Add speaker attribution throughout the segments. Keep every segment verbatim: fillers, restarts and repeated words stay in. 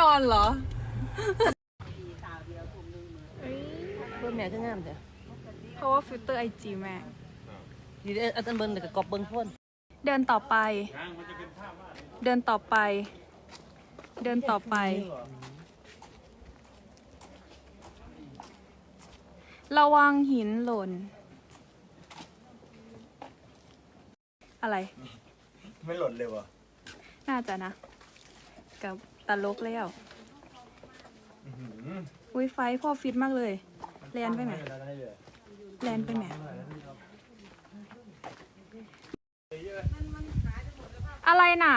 Speaker 1: อนเหรอ
Speaker 2: เบิ้ลแม่ก็งามจ้ะ
Speaker 1: เพราะว่าฟิลเตอร์ไอจีแม่
Speaker 2: ดีเด้ออันเบิ้ลแต่กอบเบิ้งพ่น
Speaker 1: เดินต่อไป เดินต่อไป เดินต่อไป ระวังหินหล่น อะไร
Speaker 3: ไม่หล่นเลยวะ
Speaker 1: น่าจะนะ กับตลกแล้วอุ้ยไฟพ่อฟิตมากเลยแลนไปไหมแลนไปไหมอะไรน่ะ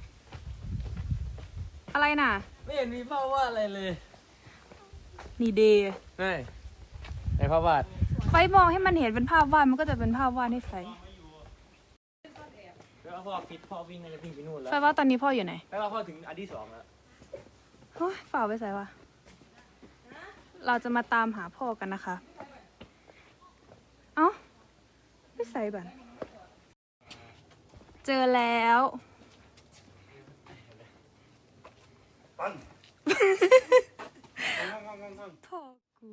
Speaker 1: อะไรน่ะ
Speaker 2: ไม่เห็นมีภาพวาดอะไรเลย
Speaker 1: นี่เดย์
Speaker 2: ไม่ในภาพวาด
Speaker 1: ไฟมองให้มันเห็นเป็นภาพวาดมันก็จะเป็นภาพวาดให้ไฟ
Speaker 2: แล้วพ่อฟิตพ่อวิ่งจะวิ่งไปนู่นแล้ว
Speaker 1: ไฟว่าตอนนี้พ่ออยู่ไหน
Speaker 2: แล้วพ่อถึงอันที่สองแล้ว
Speaker 1: เฮ้ยฝ่าไปใส่วะเราจะมาตามหาพ่อกันนะคะเอ้าไม่ใส่บันเจอแล้ว
Speaker 3: ปัน
Speaker 1: พ่อกู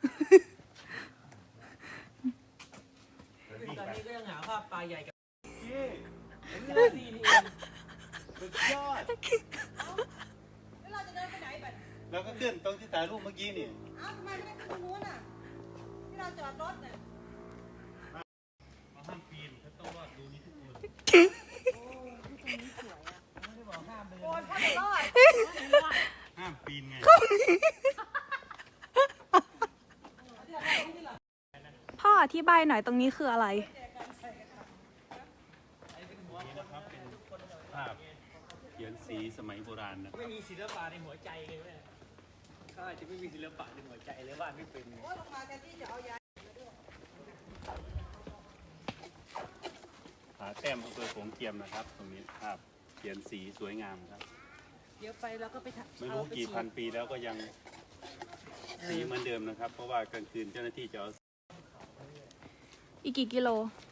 Speaker 2: ตอนนี้ก็ยังหาภาพปลาใหญ่กับ
Speaker 3: สุดยอดแล้วเราจะเดินไปไหนบัดเราก็ขึ้นตรงที่ถ่ายรูปเมื่อกี้นี่อ้าวทำไมไม่ได้ขึ้นตรงนู้นอ่ะที่เราจอดรถน่ะห้ามปีนเขาต้องรอดดูนี่ทุกคนโอ้ที่ตรงนี้สวยอ่ะไม่ได้บอกห้ามเลยโอ้ถ้าไม่รอดห้ามปีนไง
Speaker 1: พ่ออธิบายหน่อยตรงนี้คืออะไร
Speaker 3: เขียนสีสมัยโบราณนะ
Speaker 2: ไม่มีศิลปะในหัวใจเลยแม่เขาอาจจะไม่มีศิลปะในหัวใจเลยว่าไม่เป็น
Speaker 3: ผาแต้มอำเภอโขงเจียมนะครับตรงนี้ภาพเขียนสีสวยงามครับ
Speaker 2: เดี๋ยวไปแล้วก็ไป
Speaker 3: ไม่รู้กี่พันปีแล้วก็ยังสีเหมือนเดิมนะครับเพราะว่ากลางคืนเจ้าหน้าที่จะเอา
Speaker 1: อีกกี่กิโล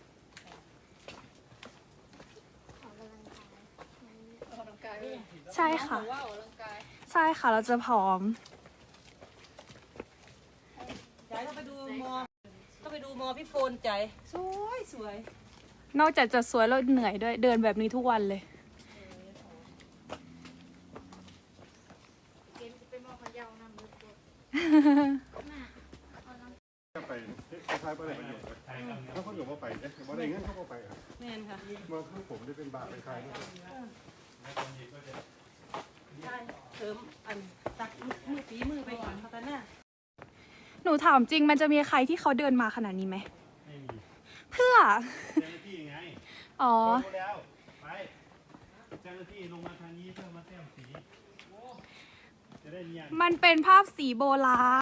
Speaker 1: ใช่ค่ะใช่ค่ะเราจะผอม
Speaker 2: ใจต้องไปดูมอต้องไปดูมอพี่โฟนใจสวยสวย
Speaker 1: นอกจากจะสวยแล้วเหนื่อยด้วยเดินแบบนี้ทุกวันเลย
Speaker 3: ไปคล้ายๆไปไหนถ้าเขาอยู่มาไปเนี่ยมาได้เงินเขาก็ไปครับ
Speaker 2: แม่นค่ะ
Speaker 3: มาคือผมได้เป็นบาทเป็นใคร
Speaker 2: เติมอันตักมือฝีมือไปก่อนเขากันน่ะ
Speaker 1: หนูถามจริงมันจะมีใครที่เขาเดินมาขนาดนี้ไหม
Speaker 3: ไม่มี
Speaker 1: เพื่อ
Speaker 3: เจ้าหน้าที่ไง
Speaker 1: อ๋อ
Speaker 3: แล้วไปเจ้าหน้าที่ลงมาทางนี้เพื่อมาแต้มสีจะได้เนียน
Speaker 1: มันเป็นภาพสีโบราณ